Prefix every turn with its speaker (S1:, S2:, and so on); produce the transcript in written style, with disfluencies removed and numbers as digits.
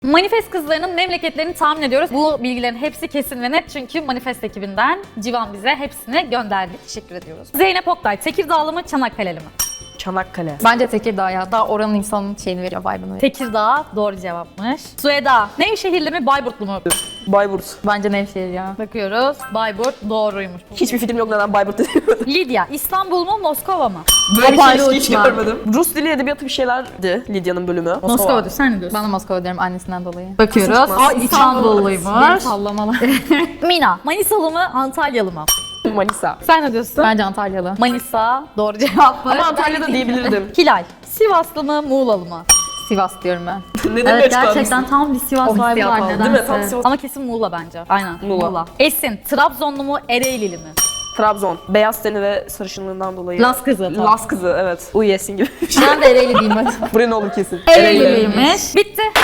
S1: Manifest kızlarının memleketlerini tahmin ediyoruz. Bu bilgilerin hepsi kesin ve net çünkü Manifest ekibinden Civan bize hepsini gönderdi. Teşekkür ediyoruz. Zeynep Oktay, Tekirdağlı mı, Çanakkale'li mi?
S2: Çanakkale.
S3: Bence Tekirdağ ya. Daha oranın insanın şeyini veriyor, vibe'ını veriyor.
S1: Tekirdağ doğru cevapmış. Sueda, Nevşehirli mi, Bayburtlu mu?
S2: Bayburt.
S3: Bence Nevşehir ya.
S1: Bakıyoruz. Bayburt doğruymuş.
S2: Hiçbir fikrim yok neden Bayburt dedim.
S1: Lidya, İstanbul mu, Moskova mı?
S2: Böyle bir
S3: Hoparlör
S2: şey hiç
S3: uçma.
S2: görmedim. Rus dili edebiyatı bir şeylerdi Lidya'nın bölümü.
S1: Moskova diyor, sen ne diyorsun?
S3: Ben de Moskova diyorum annesinden dolayı.
S1: Bakıyoruz.
S2: Çıkmaz.
S3: Beni
S1: İstanbulluymuş.
S3: sallamalar.
S1: Mina, Manisalı mı, Antalyalı mı?
S2: Manisa.
S1: Sen ne diyorsun?
S3: Bence Antalyalı.
S1: Manisa doğru cevap var.
S2: Ama Antalya'da diyebilirdim.
S1: Hilal, Sivaslı mı, Muğlalı mı?
S3: Sivas diyorum ben.
S2: Neden
S1: Evet,
S2: açıklanmışsın?
S1: gerçekten tam bir Sivas
S3: O
S1: vibe'ı
S3: hissiyat
S1: var
S3: aldım.
S1: nedense.
S2: Değil mi? Tam Sivas.
S1: Ama kesin Muğla bence. Aynen.
S2: Muğla.
S1: Esin, Trabzonlu mu, Ereğlili mi?
S2: Trabzon. Beyaz teni ve sarışınlığından dolayı.
S1: Las kızı.
S2: Las kızı evet. Uyesin gibi.
S3: Ben de Ereğli diyeyim hadi.
S2: Buraya ne olur kesin.
S1: Ereğliymiş. Bitti.